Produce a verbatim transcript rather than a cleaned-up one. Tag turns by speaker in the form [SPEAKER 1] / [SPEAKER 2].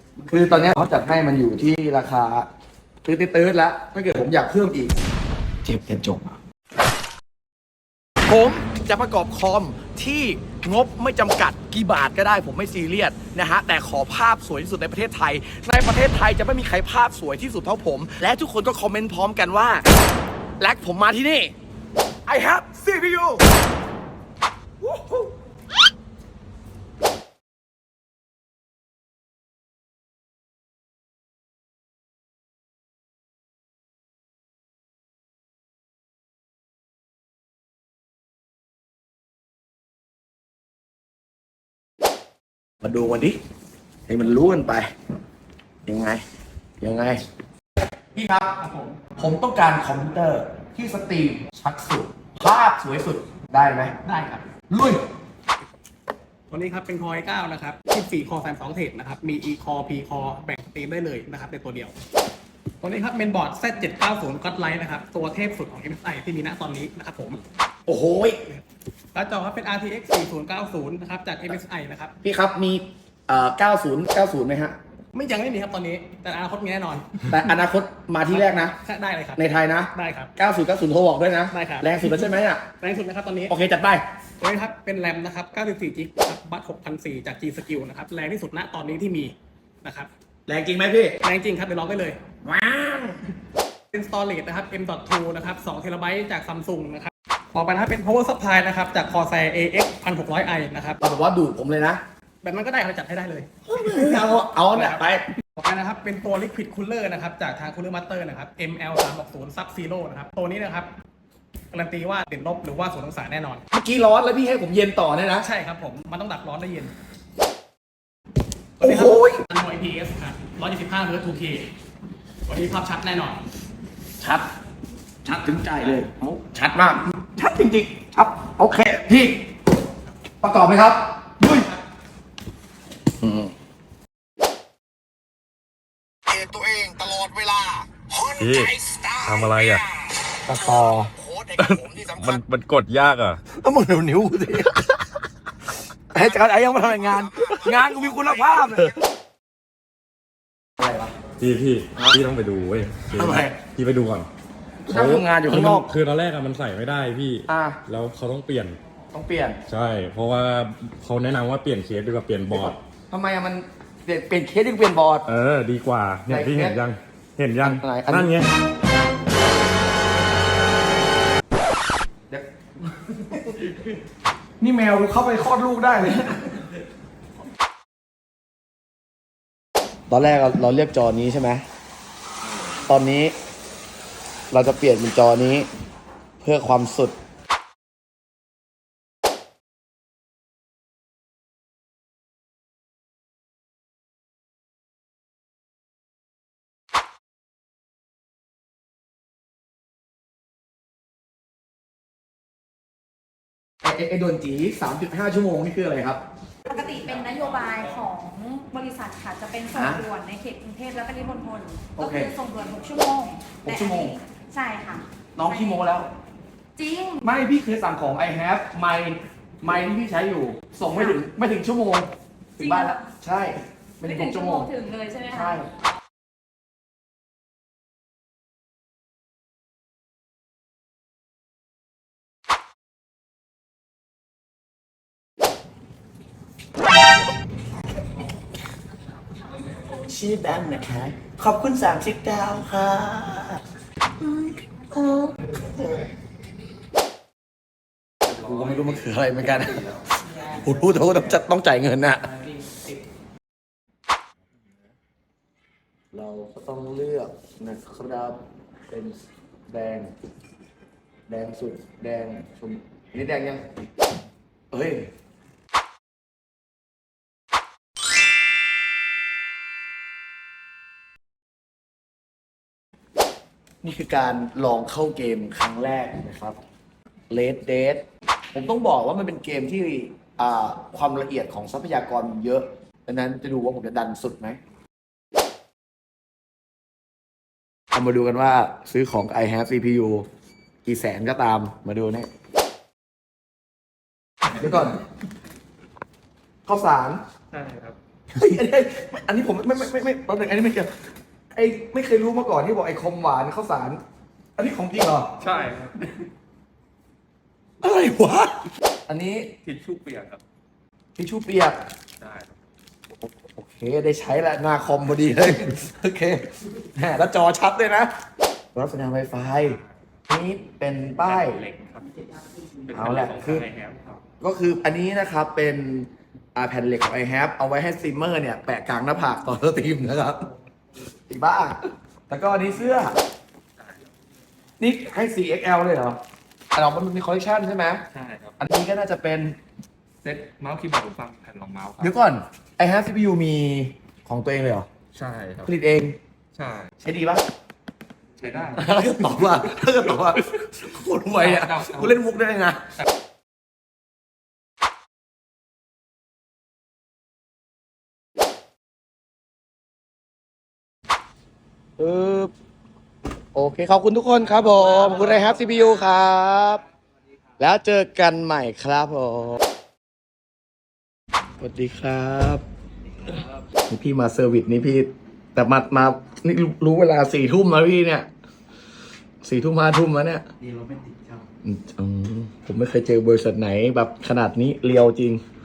[SPEAKER 1] คือตอนนี้เขาจัดให้มันอยู่ที่ราคาตื้อตื้อแล้วถ้าเกิดผมอยากเพิ่มอีกเจ็บจะจบผมจะประกอบคอมที่งบไม่จำกัดกี่บาทก็ได้ผมไม่ซีเรียสนะฮะแต่ขอภาพสวยที่สุดในประเทศไทยในประเทศไทยจะไม่มีใครภาพสวยที่สุดเท่าผมและทุกคนก็คอมเมนต์พร้อมกันว่าแลกผมมาที่นี่ I have ซี พี ยู มาดูกันดิให้มันรู้กันไปยังไงยังไงพี่ครับผมผมต้องการคอมพิวเตอร์ที่สตรีมชัดสุดภาพสวยสุดได้ไหม
[SPEAKER 2] ได้ครับ
[SPEAKER 1] ลุย
[SPEAKER 2] ตัวนี้ครับเป็น Core ไอ เก้า นะครับสิบสี่ Core สามสิบสอง Thread นะครับมี E Core P Core แบ่งสตรีมได้เลยนะครับในตัวเดียวตัวนี้ครับเป็นบอร์ด แซด เจ็ดเก้าศูนย์ Godlight นะครับตัวเทพสุดของ เอ็ม เอส ไอ ที่มีณตอนนี้นะครับผม
[SPEAKER 1] โอ้โห
[SPEAKER 2] แล้วจอครับเป็น อาร์ ที เอ็กซ์ สี่ศูนย์เก้าศูนย์ นะครับจาก เอ็ม เอส ไอ นะครับ
[SPEAKER 1] พี่ครับมีเอ่อเก้าสิบ เก้าสิบไหมฮะ
[SPEAKER 2] ไม่ยังไม่มีครับตอนนี้แต่อนาคตมีแน่นอน
[SPEAKER 1] แต่อนาคตมาที่แรกนะ
[SPEAKER 2] ได้เลยครับ
[SPEAKER 1] ในไทยนะ
[SPEAKER 2] ได้ครับ
[SPEAKER 1] เก้าสิบ เก้าสิบโทรบอกด้วยนะ
[SPEAKER 2] ได้ครับ
[SPEAKER 1] แรงสุดแล้วใช่ไหมอ่ะ
[SPEAKER 2] แรงสุดนะครับตอนนี้
[SPEAKER 1] โอเคจัดไป
[SPEAKER 2] ตัวนี้ครับเป็นแรมนะครับเก้าสิบสี่จิกครับบัตหกพันสี่จาก G Skill นะครับแรงที่สุดณตอนนี้ที่มีนะครับ
[SPEAKER 1] แรงจริงไหมพี่
[SPEAKER 2] แรงจริงครับเดี๋ยวลองได้เลย
[SPEAKER 1] ว้าว
[SPEAKER 2] เป็น storage นะครับ เอ็ม ดอท ทู นะครับสองเทราไบต์จาก Samsung นะครับต่อไปนะครับเป็น power supply นะครับจาก Corsair เอ เอ็กซ์ หนึ่งพันหกร้อยไอ นะครับ
[SPEAKER 1] เราบอกว่าดูดผมเลยนะ
[SPEAKER 2] แบบนั้นก็ได้เราจัดให้ได้เลย
[SPEAKER 1] เอาเอาเนี่ยไป
[SPEAKER 2] ต่อไปนะครับเป็นตัว liquid cooler นะครับจากทาง Cooler Master นะครับ เอ็ม แอล สามหกศูนย์ Sub Zero นะครับตัวนี้นะครับการันตีว่าติดลบหรือว่าศูนย์องศาแน่นอน
[SPEAKER 1] เมื่อกี้ร้อนแล้วพี่ให้ผมเย็นต่อเนี่ยนะ
[SPEAKER 2] ใช่ครับผมมันต้องดับร้อนได้เย็น
[SPEAKER 1] โอ้โห
[SPEAKER 2] อันโม ไอ พี เอส ครับหนึ่งร้อยยี่สิบห้า เฮิร์ตซ์ ทู เค วันนี้ภาพชัดแน่นอน
[SPEAKER 1] ชัดชัดถึงใจเลยชัดมากชัดจริงๆครับโอเคพี่ประกอบไหมครับดุย
[SPEAKER 3] ตัวเองตลอดเวลา
[SPEAKER 4] พี่ทำอะไรอ่ะ
[SPEAKER 1] ตะต่อ
[SPEAKER 4] มันมันกดยากอ่ะ
[SPEAKER 1] ต้องมึงเดี๋ยวนิ้วสิไอ้จัดไอ้ยังมาทำงาน งานกูมีคุณภาพเลยอะไรวะ
[SPEAKER 4] พี่พี่พี่ต้องไปดูเว้ย
[SPEAKER 1] ทำไม
[SPEAKER 4] พี่ไปดูก่อน
[SPEAKER 1] เขาทำงานอยู่ข้างนอก
[SPEAKER 4] คือตอนแรกอะมันใส่ไม่ได้พี่
[SPEAKER 1] อ่า
[SPEAKER 4] แล้วเขาต้องเปลี่ยน
[SPEAKER 1] ต้องเปลี่ยน
[SPEAKER 4] ใช่เพราะว่าเขาแนะนำว่าเปลี่ยนเคสดีกว่าเปลี่ยนบอร์ด
[SPEAKER 1] ทำไมอะมันเปลี่ยนเคสดีกว่าเปลี่ยนบอร์ด
[SPEAKER 4] เออดีกว่าเนี่ยพี่เห็นยังเห็นยังนั่นไง
[SPEAKER 1] นี่แมวเข้าไปคลอดลูกได้เลยตอนแรกเราเรียกจอนี้ใช่ไหมตอนนี้เราจะเปลี่ยนเป็นจอนี้เพื่อความสุดไอ้ไอ้โดนจี สามจุดห้า ชั่วโมงนี่คืออะไรครับ
[SPEAKER 5] ปกติเป็นนโยบายของบริษัทค่ะจะเป็นส่งด่วนในเขตกรุงเทพและปริมณฑลก็คือส่งด่วนหกชั่วโมง
[SPEAKER 1] หกชั่วโมง
[SPEAKER 5] ใช่ค่ะ
[SPEAKER 1] น้องขี้โมแล้ว
[SPEAKER 5] จริง
[SPEAKER 1] ไม่พี่เคยสั่งของ I have ไมค์ไมค์ที่พี่ใช้อยู่ส่งไม่ถึงไม่ถึงชั่วโมงถึงบ้านแล้วใช่ไม่ถึงหกชั่วโมง
[SPEAKER 5] ถึงเลยใช่ไหมคะ
[SPEAKER 1] ใช่ชื่อแบงค์นะคะขอบคุณสามสิบดาวค่ะกูก็ไม่รู้มันคืออะไรเหมือนกันกูรู้แต่ว่าต้องจัดต้องจ่ายเงินน่ะเราก็ต้องเลือกนะครับเป็นแดงแดงสุดแดงชมนี่แดงยังเฮ้ยนี่คือการลองเข้าเกมครั้งแรกนะครับ Red Dead ผมต้องบอกว่ามันเป็นเกมที่ความละเอียดของทรัพยากรเยอะดังนั้นจะดูว่าผมจะดันสุดไหมเอามาดูกันว่าซื้อของ I have ซี พี ยู กี่แสนก็ตามมาดูนี่เดี๋ยวก่อนข้าวสาร
[SPEAKER 2] ใช่ครับ
[SPEAKER 1] เฮ้ยอันนี้อันนี้ผมไม่ไม่ไม่ไม่ตอนหนึ่งอันนี้ไม่เกี่ยวไอ้ไม่เคยรู้มาก่อนที่บอกไอ้คอมหวานข้าวสาร อันนี้ของจริงเหรอ
[SPEAKER 6] ใช่ครับ
[SPEAKER 1] อะไรวะ อันนี้
[SPEAKER 6] ทิชชู่เปียกครับ
[SPEAKER 1] ทิชชู่เปียก
[SPEAKER 6] ใช่ครับ
[SPEAKER 1] โอเคได้ใช้แล้วหน้าคอมพอดีเลยโอเคแหมแล้วจอชัดเลยนะรับสัญญาณ Wi-Fi นี่เป็นป้าย
[SPEAKER 6] เหล็กครับเป็น
[SPEAKER 1] เอาแหละ
[SPEAKER 6] ขง
[SPEAKER 1] คือ
[SPEAKER 6] ไอแฮปครับ
[SPEAKER 1] ก็คืออันนี้นะครับเป็นอ่าแผ่นเหล็กของ ไอ แฮป เอาไว้ให้สตรีมเมอร์เนี่ยแปะกลางหน้าผากตอนสตรีมนะครับอีบ้าแล้วก็อันนี้เสื้อ นี่ให้ โฟร์ เอ็กซ์ แอล เลยเหรออันเรามันมีคอลเลคชันใช่ไหม
[SPEAKER 6] ใช่ครับ
[SPEAKER 1] อันนี้ก็น่าจะเป็น
[SPEAKER 6] เซ็ตเมาส์คีย์บอร์ดหูฟังแผ่นรองเมาส์ครับ
[SPEAKER 1] เดี๋ยวก่อน ไอ แฮป ซี พี ยู มีของตัวเองเลยเหรอ
[SPEAKER 6] ใช่ครับ
[SPEAKER 1] ผลิตเอง
[SPEAKER 6] ใช่
[SPEAKER 1] ใช้ดีปะ
[SPEAKER 6] ใช้ได้
[SPEAKER 1] ถ้าเกิดตอบว่าถ้าเกิดตอบว่าโคตรรวยอ่ะ
[SPEAKER 6] เดาๆ
[SPEAKER 1] กูเล่นมุกได้เลยนะเออโอเค ขอบคุณทุกคนครับผมขอบคุณไอ แฮป ซี พี ยู ครับ แล้วเจอกันใหม่ครับผมสวัสดีครับนี่พี่มาเซอร์วิสนี่พี่ แต่มามานี่รู้รู้เวลาสี่ทุ่มแล้วพี่เนี่ยสี่ทุ่มห้าทุ่มแล้วเนี่ยนี่เราไม่ติดครับผมไม่เคยเจอบริษัทไหนแบบขนาดนี้เรียวจริง